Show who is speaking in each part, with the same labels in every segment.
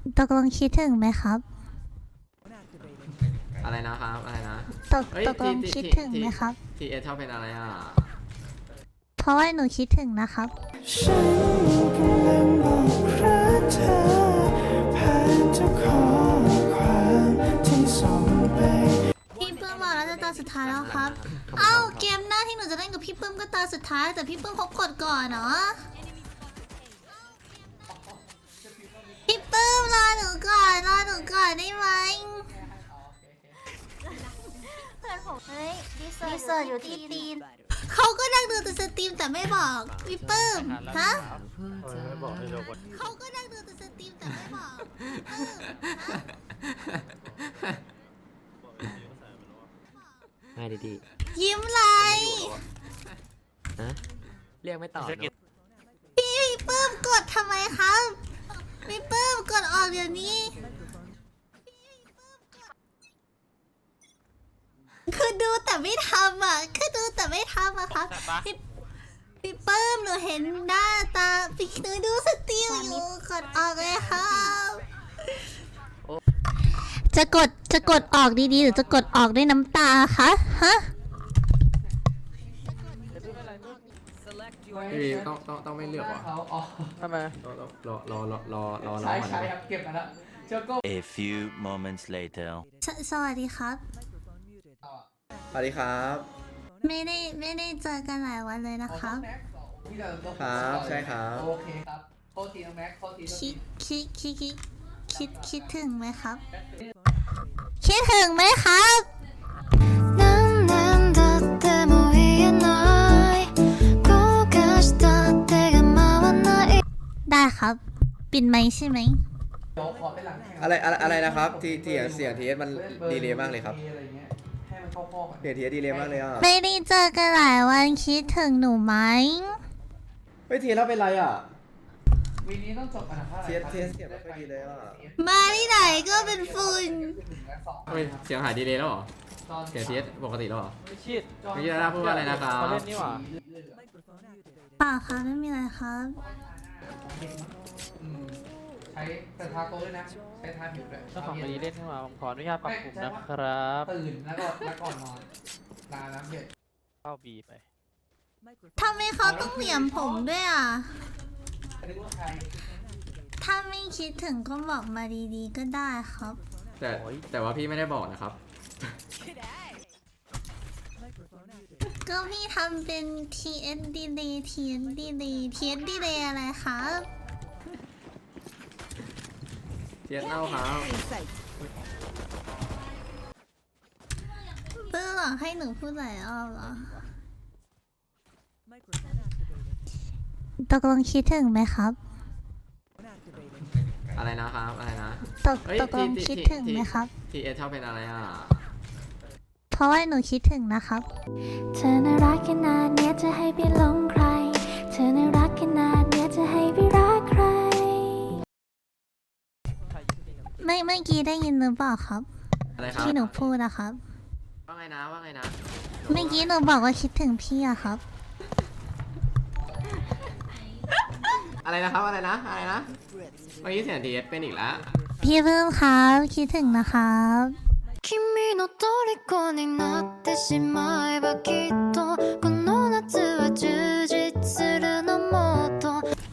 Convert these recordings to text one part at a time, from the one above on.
Speaker 1: ตกลงคิดถึงไหมครับ
Speaker 2: อะไรนะครับอะไรนะ
Speaker 1: ตกลงคิดถึงไหมครับ
Speaker 2: ทีเอชอบเป็นอะไรอ่ะ
Speaker 1: เพราะว่าหนูคิดถึงนะครับ
Speaker 3: ฉันกำลังบอกรักเธอผ่านทุกข้อความที่ส่งไป
Speaker 1: พี่ปื้มบอกแล้วจะตาสุดท้ายแล้วครับเอ้าเกมหน้าที่หนูจะเล่นกับพี่ปื้มก็ตาสุดท้ายแต่พี่ปื้มเขากดก่อนเนาะพี่ปื้มรอหนูก่อนได้ไหม
Speaker 4: เพื่อนผมเฮ้ยดีเซอร์อยู่ที่ตีน
Speaker 1: เขาก็นั่งดูแต่สตรีมแต่ไม่บอกพี่ปื้มฮะเขาก็นั่งดูแต่สตรีมแต่ไม่บอก
Speaker 5: ง่ายดี
Speaker 1: ยิ้มไร
Speaker 5: ๆนะเรียกไม่ตอบเนอะ
Speaker 1: พี่ปื้มกดทำไมครับพี่ปื้มกดออกเดี๋ยวนี้คือดูแต่ไม่ทำอ่ะคือดูแต่ไม่ทำอะครับพี่ปื้มหนูเห็นหน้าตาพี่หนูดูสตรีมอยู่กดออกเลยครับจะกดออกดีๆหรือจะกดออกด้วยน้ำตาคะฮะ
Speaker 2: พี่ต้องไม่เลือกว่ะ
Speaker 5: ทำไม
Speaker 2: รอ
Speaker 6: ใช่ครับเก็บมาแล้วเจ้าก็
Speaker 7: A few moments later
Speaker 1: สวัสดีครับ
Speaker 2: สวัสดีครับ
Speaker 1: ไม่ได้เจอกันหลายวันเลยนะครับ
Speaker 2: ครับใช่ครับ
Speaker 6: โอเคครับโทษทีน้องแม็กโทษที
Speaker 1: คิดถึงไหมครับ คิดถึงไหมครับได้ครับปิดไหมค์ใช่ไหม
Speaker 6: เดี๋ยวขอไปหลังแข่ง
Speaker 2: อะไรนะครับที่เสียงทีเอสมันดีเลยมากเลยครับ
Speaker 6: อะไรเงี้ยให้มันเข้าข้อกัน
Speaker 2: เสียงทีเอสดีเลยมากเลยอ่ะ
Speaker 1: ไม่ได้เจอกันหลายวันคิดถึงหนูไหม
Speaker 2: เฮ้ยทีเอสแล้วเป็นไรอ่ะ
Speaker 6: วีนี้ต้องจบอันดับเท่าไหร่
Speaker 2: เสียงไม่ค่อยดีเลยอ่ะ
Speaker 1: มาที่ไหนก็เป็นฝุ่น
Speaker 2: เฮ้ยเสียงหายดีเลยแล้วเหรอเสียงทีเอสปกติแล้วเหรอ
Speaker 5: ชิด
Speaker 2: เมื่อกี้นะพูดว่าอะไรนะครับ
Speaker 5: เขาเล่นนี่หว่า
Speaker 1: เปล่าครับไม่มีอะไรครับ
Speaker 6: ใช้แต่ทาโต้ด้วยนะใช้ทาผิวด้วย
Speaker 5: เจ้าของคดีเล่นขึ้นมาผมขออนุญาตปรับปรุงนะครับ
Speaker 6: ตื่นแล้วก่อนนอนลาน้ำเย็น
Speaker 5: เข้าบีไป
Speaker 1: ทำไมเขาต้องเหลี่ยมผมด้วยอ่ะ
Speaker 6: นึกว่าใคร
Speaker 1: ถ้าไม่คิดถึงก็บอกมาดีๆก็ได้ครับ
Speaker 2: แต่ว่าพี่ไม่ได้บอกนะครับ
Speaker 1: ก็พี่ทำเป็น TS delay TS delay TS delay อะไรครับ
Speaker 2: ทีเอสเน่าครับ
Speaker 1: เพื่อหรอให้หนูพูดหลายรอบเหรอตกลงคิดถึงไหมครับ
Speaker 2: อะไรนะครับอะไรนะ
Speaker 1: ตกลงคิดถึงไหมครับ
Speaker 2: ทีเอสชอบเป็นอะไรอ่ะ
Speaker 1: เพราะว่าหนูคิดถึงนะครับ
Speaker 4: เธอน่ารักขนาดเนี้ยจะให้ไปหลงใครเธอน่ารักขนาดเนี้ยจะให้ไปรักใคร
Speaker 1: เมื่อกี้ได้ยินหรือเปล่าครับ
Speaker 2: อะไรครับ
Speaker 1: ที่หนูพูดนะครับ
Speaker 2: ว่าไงนะ
Speaker 1: เมื่อกี้หนูบอกว่าคิดถึงพี่อะครับ
Speaker 2: อะไรนะครับอะไรนะเมื่อกี้เสียงทีเอสเป็นอีกแล้ว
Speaker 1: พี่เพิ่มครับคิดถึงนะครับ
Speaker 4: 君の虜になってしまえばきっとこの夏は充実するのもっと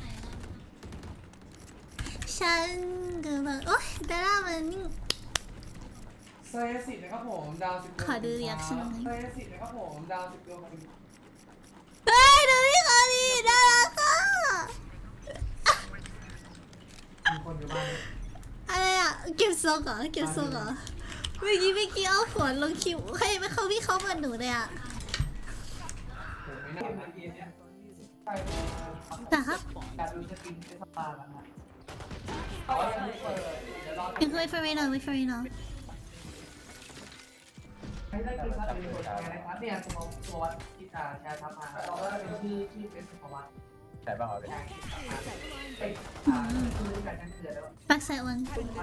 Speaker 1: ฉันกำลังโอ๊ยดารามันนี่
Speaker 6: เซสินะครับผมดาว10
Speaker 1: ขอดูรีแอคชั่นหน่อย
Speaker 6: เซสินะครับผมดาว10 ดวง
Speaker 1: เฮ้ยดูพี่เขาดิน่ารักอ่ะ
Speaker 6: มีคนอยู่บ้าน
Speaker 1: อะไรอ่ะเก็บทรงเหรอเก็บทรงเหรอเมื่อกี้เอาหัวลงคิวใครไม่เข้าพี่เขาเหมือนหนูเลยอ่ะ
Speaker 6: ผมไม่น่าเย็นเนี่ยใช่
Speaker 1: นะครับ
Speaker 6: การดูสกินเป็นสปาแล้วนะอ๋อยังไม่เปิดเดี๋ยวรอ
Speaker 1: เป็นคุยฟรีหน่อยคุยฟรีหน่อย
Speaker 6: ให้ได้คือครับเป็นคนงานนะครับเนี่ยตัววัดที่จะแชร์ทับมาเราก็จะเป็นที่เป็นสุขวัตแต่บ้างเหรอเป็นคือการนั่งเกิดแล้ว
Speaker 1: ปักใส่วัน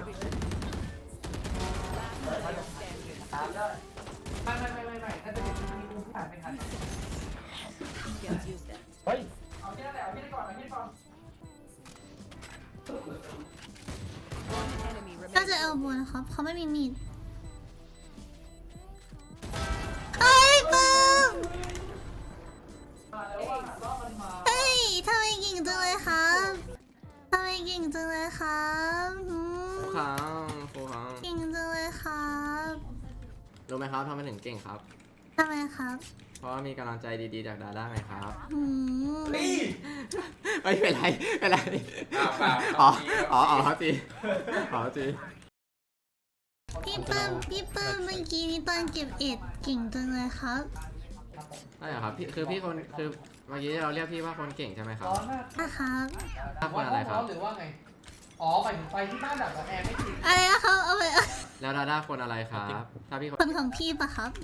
Speaker 6: ไม่น่าจะเป็นที่ผู้ผ่านไม่ทันเฮ้ยเอาแค่นั้นแหละเอาแค่นี้ก่อนเอาแค่นี้ก่อน
Speaker 1: าจะเอาบัวนะครับเขาไม่มีมีดเฮ้ยปื้มเฮ้ยทำไมเก่งจังเลยครับทำไมเก่งจังเลยครับหืม
Speaker 2: ครูครับครูครับ
Speaker 1: เก่งจังเลยครับ
Speaker 2: รู้ไหมครับทำไมถึงเก่งครับ
Speaker 1: ทำไมครับ
Speaker 2: เพราะว่ามีกำลังใจดีๆจากดาด้าไงครับ
Speaker 1: หืม
Speaker 2: ไม่เป็นไรเป็นไรอ๋อครับจีอ๋อจี
Speaker 1: พี่เปิ้มเมื่อกี้นี้ตอนเก็บเอ็ดเก่งจังเลยครับ
Speaker 2: ใช่เหรอครับพี่คือพี่คนคือเมื่อกี้เราเรียกพี่ว่าคนเก่งใช่ไหมครับ
Speaker 6: ร้อนมาก
Speaker 1: นะครับ
Speaker 2: ถ้าคนอะไรครับ
Speaker 6: หรือว่าไงอ๋อหมายถึงไฟที่บ้านดับแล้วแอร์ไม่ติด
Speaker 1: อะไรนะครับเอาไป
Speaker 2: แล้วดาด้าคนอะไรครับ ถ้าพี่คน
Speaker 1: คนของพี่ปะครับ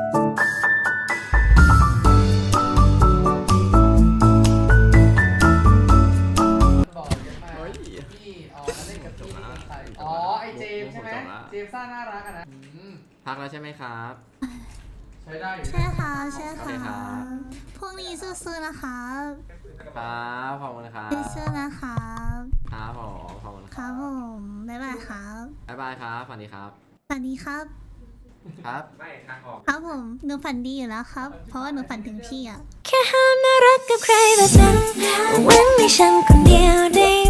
Speaker 6: บอกเยอะมาก
Speaker 2: เฮ้ย
Speaker 6: พี่อ๋อมาเล่นกับพี่ใครอ๋อไอเจมส์ใช่ไหมเจมส์ซ่าน่ารักอะนะ
Speaker 2: พักแล้วใช่ไหมครับ
Speaker 6: ใช้ได้อยู่
Speaker 1: ใช่ค่ะใช่
Speaker 2: โอเคครั
Speaker 1: ค่ะ
Speaker 2: บ
Speaker 1: พรุ่งนี้สู้ๆนะคะ
Speaker 2: ครับขอบคุณครับ
Speaker 1: สู้ๆนะคะ
Speaker 2: ครับผมขอบคุณ
Speaker 1: ค
Speaker 2: ค
Speaker 1: รั
Speaker 2: รั
Speaker 1: บบ ผมบ๊ายบายครับ
Speaker 2: บ๊ายบายครับสวัสดีครับ
Speaker 1: สวัสดีครับ
Speaker 2: ครับ
Speaker 1: ครับผมหนูฝันดีอยู่แล้วครับ เพราะว่าหนูฝันถึงพี่อะ
Speaker 4: แค่ห้ามน่ารักกับใครแบบนั้นหวังให้ฉันคนเดียวได้